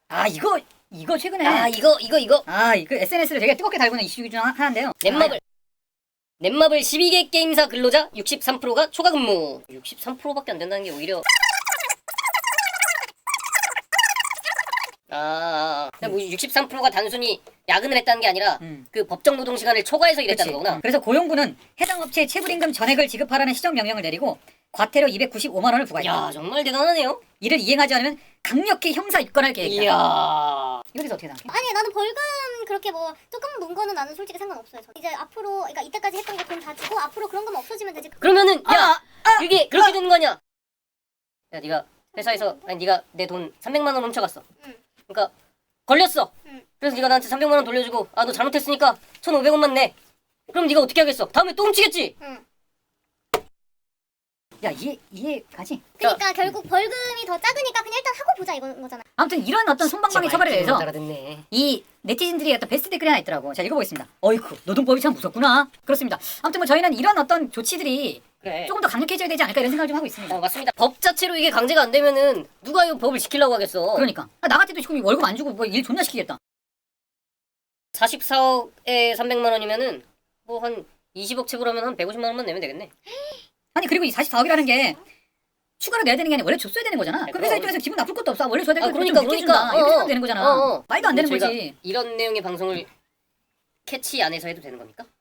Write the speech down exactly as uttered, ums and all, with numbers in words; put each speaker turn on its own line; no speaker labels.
아 이거 이거 최근에
아 이거 이거 이거
아 이거 에스엔에스를 되게 뜨겁게 달구는 이슈 중 하- 하나인데요.
넷마블 넷마블 십이 개 게임사 근로자 육십삼 퍼센트가 초과 근무. 육십삼 퍼센트밖에 안 된다는 게 오히려 아, 아. 뭐 육십삼 퍼센트가 단순히 야근을 했다는 게 아니라
음.
그 법정 노동 시간을 초과해서 일했다는
그치.
거구나.
그래서 고용부는 해당 업체에 체불임금 전액을 지급하라는 시정 명령을 내리고 과태료 이백구십오만 원을 부과했다.
야 정말 대단하네요.
이를 이행하지 않으면 강력히 형사 입건할 계획이다.
이야.
이거에 대해서 어떻게 생각해?
아니 나는 벌금 그렇게 뭐 조금 문 거는 나는 솔직히 상관없어요. 저. 이제 앞으로 그러니까 이때까지 했던 거 돈 다 주고 앞으로 그런 거면 없어지면 되지.
그러면은 야
아,
이게 그렇게 되는 거 아니야? 야 네가 회사에서 아니 네가 내 돈 삼백만 원 훔쳐갔어.
응.
그러니까 걸렸어.
응.
그래서 네가 나한테 삼백만 원 돌려주고 아 너 잘못했으니까 천오백 원만 내. 그럼 네가 어떻게 하겠어? 다음에 또 훔치겠지.
응.
야 이해 이해가지?
그러니까 결국 벌금이 더 작으니까 그냥 일단 하고 보자 이건 거잖아.
아무튼 이런 어떤 손방망이 처벌에 대해서
알아듣네.
이 네티즌들이 어떤 베스트 댓글이 하나 있더라고. 자 읽어보겠습니다. 어이쿠 노동법이 참 무섭구나. 그렇습니다. 아무튼 뭐 저희는 이런 어떤 조치들이
그래.
조금 더 강력해져야 되지 않을까 이런 생각을 좀 하고 있습니다.
어 맞습니다. 법 자체로 이게 강제가 안 되면은 누가 이 법을 지키려고 하겠어.
그러니까 아, 나 같아도 지금 월급 안 주고 뭐 일 존나 시키겠다.
사십사억에 삼백만 원이면은 뭐 한 이십억 체불하면 한 백오십만 원만 내면 되겠네.
아니 그리고 이 사십사억이라는 게 추가로 내야 되는 게 아니라 원래 줬어야 되는 거잖아. 그럼 회사
그럼.
입장에서 기분 나쁠 것도 없어. 원래 줘야 될
아,
거
그러니까,
좀 늦게
그러니까.
준다. 이렇게
어,
생각하면 되는 거잖아.
어, 어.
말도 안 되는
저희가
거지.
이런 내용의 방송을 캐치 안에서 해도 되는 겁니까?